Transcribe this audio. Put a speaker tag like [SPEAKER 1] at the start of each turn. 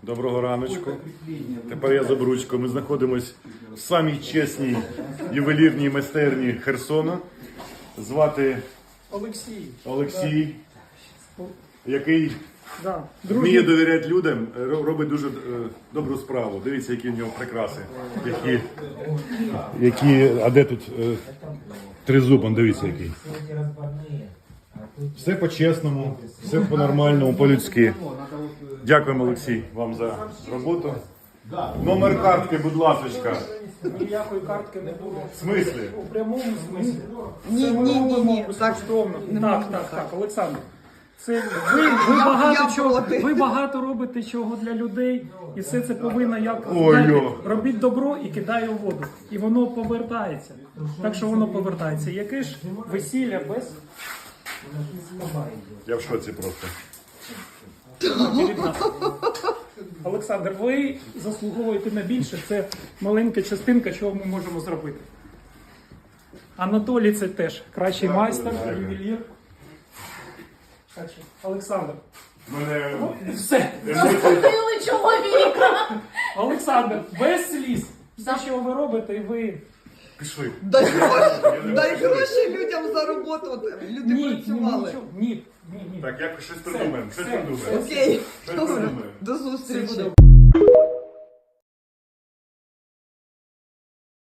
[SPEAKER 1] Доброго раночку. Тепер я за ручку. Ми знаходимося в самій чесній ювелірній майстерні Херсона. Звати Олексій, який вміє довіряти людям, робить дуже добру справу. Дивіться, які в нього прикраси. А де тут тризуб, дивіться який. Все по-чесному, все по-нормальному, по-людськи. Дякуємо, Олексій, вам за роботу. Номер картки, будь ласка.
[SPEAKER 2] Ніякої картки не було.
[SPEAKER 1] В смислі?
[SPEAKER 2] У прямому смислі.
[SPEAKER 3] Ні.
[SPEAKER 2] Так, Олександр. Це ви багато робите чого для людей, і все це повинно як робіть добро і кидає у воду. І воно повертається. Так що воно повертається. Яке ж весілля без...
[SPEAKER 1] Я в шоці просто.
[SPEAKER 2] Олександр, ви заслуговуєте на більше. Це маленька частинка, чого ми можемо зробити. Анатолій це теж кращий майстер, ювелір. Олександр. Все.
[SPEAKER 4] Заслужили чоловіка.
[SPEAKER 2] Олександр, без сліз. Все, що ви робите, ви...
[SPEAKER 1] Пішли.
[SPEAKER 3] Дай гроші людям за роботу. От люди працювали.
[SPEAKER 2] Ні.
[SPEAKER 1] Так, якось щось придумаємо.
[SPEAKER 3] Окей.
[SPEAKER 1] Щось придумаємо.
[SPEAKER 3] До зустрічі.